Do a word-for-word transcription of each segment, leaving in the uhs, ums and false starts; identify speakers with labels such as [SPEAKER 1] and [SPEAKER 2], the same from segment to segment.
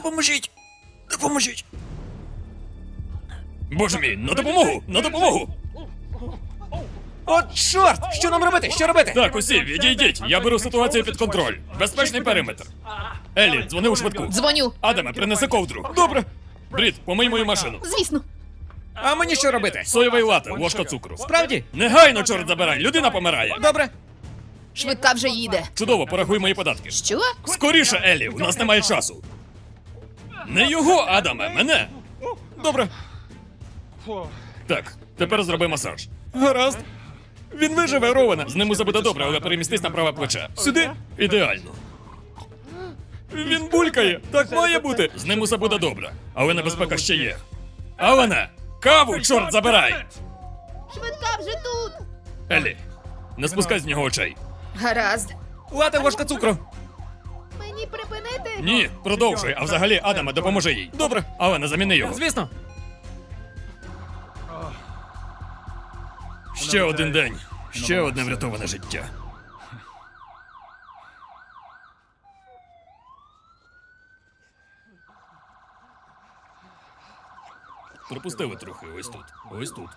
[SPEAKER 1] Допоможіть! Допоможіть! Боже мій, на допомогу! На допомогу! От чорт! Що нам робити? Що робити? Так, усі, відійдіть. Я беру ситуацію під контроль. Безпечний периметр. Еллі, дзвони у швидку.
[SPEAKER 2] Дзвоню.
[SPEAKER 1] Адаме, принеси ковдру. Добре. Брід, помий мою машину.
[SPEAKER 2] Звісно.
[SPEAKER 1] А мені що робити? Соєвий лате, ложка цукру. Справді? Негайно, чорт забирай, людина помирає. Добре.
[SPEAKER 2] Швидка вже їде.
[SPEAKER 1] Чудово, порахуй мої податки.
[SPEAKER 2] Що?
[SPEAKER 1] Скоріше, Еллі, у нас немає часу. Не його, Адаме, мене. Добре. Так, тепер зроби масаж. Гаразд. Він виживе, Рована. З ним усе буде добре, але перемістись на праве плече. Сюди? Ідеально. Він булькає. Так має бути. З ним усе буде добре. Але небезпека ще є. Алане! Каву, чорт забирай!
[SPEAKER 2] Швидка вже тут.
[SPEAKER 1] Еллі, не спускай з нього очей.
[SPEAKER 2] Гаразд.
[SPEAKER 1] Лате ложка цукру.
[SPEAKER 2] Мені припинити?
[SPEAKER 1] Ні, продовжуй, а взагалі, Адаме, допоможи їй. Добре, але не заміни його. Звісно. Ще один день. Ще одне врятоване життя. Пропустили трохи, ось тут. Ось тут.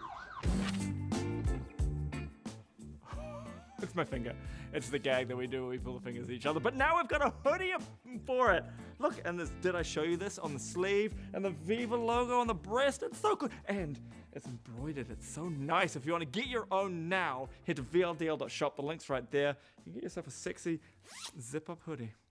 [SPEAKER 3] It's my finger. It's the gag that we do when we pull the fingers at each other. But now we've got a hoodie for it. Look, and this, did I show you this on the sleeve and the Viva logo on the breast? It's so cool. And it's embroidered. It's so nice. If you want to get your own now, head to V L D L dot shop. The link's right there. You can get yourself a sexy zip-up hoodie.